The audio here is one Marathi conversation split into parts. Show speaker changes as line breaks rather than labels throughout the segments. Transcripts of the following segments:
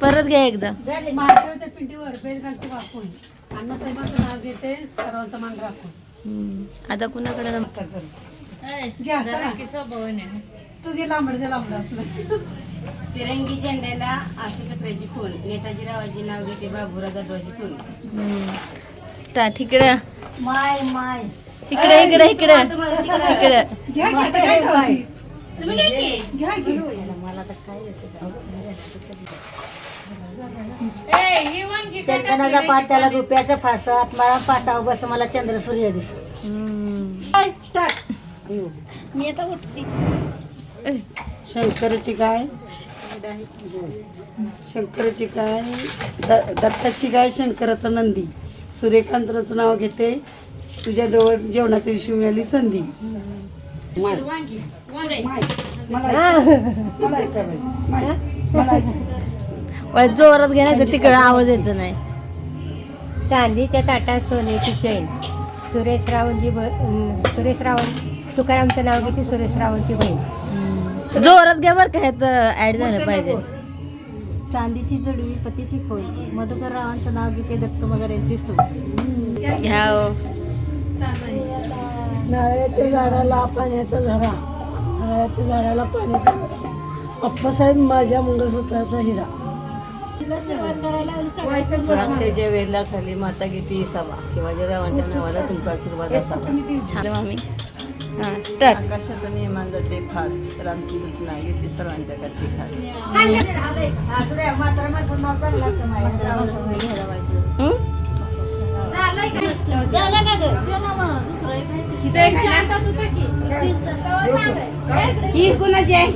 परत घ्या एकदा.
महादेवाच्या पिंडीवर बेल घालते वाकून, अण्णासाहेबांचं नाव घेते, सर्वांचा मान राखून.
आता कुणाकडे
तू घे लांबड आपलं.
तिरंगी झेंड्याला आशुचक्राची खून, नेताजीरावांचे नाव घेते, बाबूराव जाधवाची सून.
स्टार्ट. इकडं
माय माय
इकडे इकडे इकडे इकडे.
तुम्ही काय की?
शेतकऱ्याला पाट्याला रुपयाचं फास, आत्माला पाटाव बस, मला चंद्र सूर्य दिस.
मी आता उठते.
शंकराची गाय, शंकराची गाय, दत्ताची गाय, शंकराचं नंदी, सूर्यकांताचं नाव घेते, तुझ्या डोळ्यात जेवणाच्या दिवशी मिळाली संधी. मला
जोरात घे नाही तर तिकडं आवाज यायचा नाही.
चांदीच्या ताटात सोन्याची चैन, सुरेश रावण तुकारामचं नाव घेते, सुरेश रावणची बहीण.
जोरात घ्या बरं का, ह्यात ऍड झालं पाहिजे.
चांदीची जडवी पतीची खोल, मधुकर रावांचं नाव घेते, दत्त मगर यांची सून.
घ्या हो.
नारळाच्या झाडाला पाण्याचा झरा, नारळाच्या झाडाला पाण्याचा झरा, अप्पासाहेब माझ्या मंगळसूत्राचा हिरा.
द्राक्षाच्या वेला खाली माता घेते सभा, शिवाजीरावांच्या नावाला तुमचा आशीर्वाद असावा.
छान मामी. हां स्टार्ट.
आकाशातून इमान जाते फास, रामचंद्रच नाव घेते, सर्वांच्या करते खास.
ही कुणाची आहे?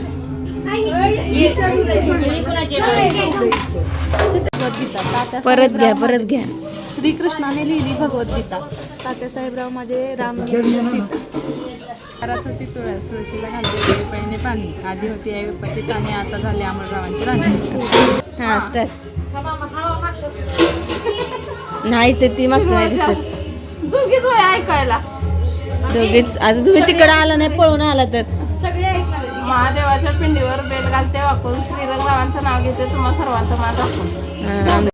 परत घ्या परत घ्या.
श्रीकृष्णाने लिहिली भगवद्गीता. तात्यासाहेबराव माझे राम सीता. घरात होती तुळस, तुळशीला घालते पहिने पाणी, आधी होती आई विपत्ती काने, आता झाले अमररावांची राणी.
हां स्टार्ट. नाही ते ती मागचं नाही दिसत.
दोघीच वय ऐकायला.
दोघीच. आता तुम्ही तिकडं आला नाही, पळून आला तर.
महादेवाच्या पिंडीवर बेल घालते वाकून, श्रीरंगरावांचं नाव घेते, तुम्हा सर्वांचा मान राखून.
हां.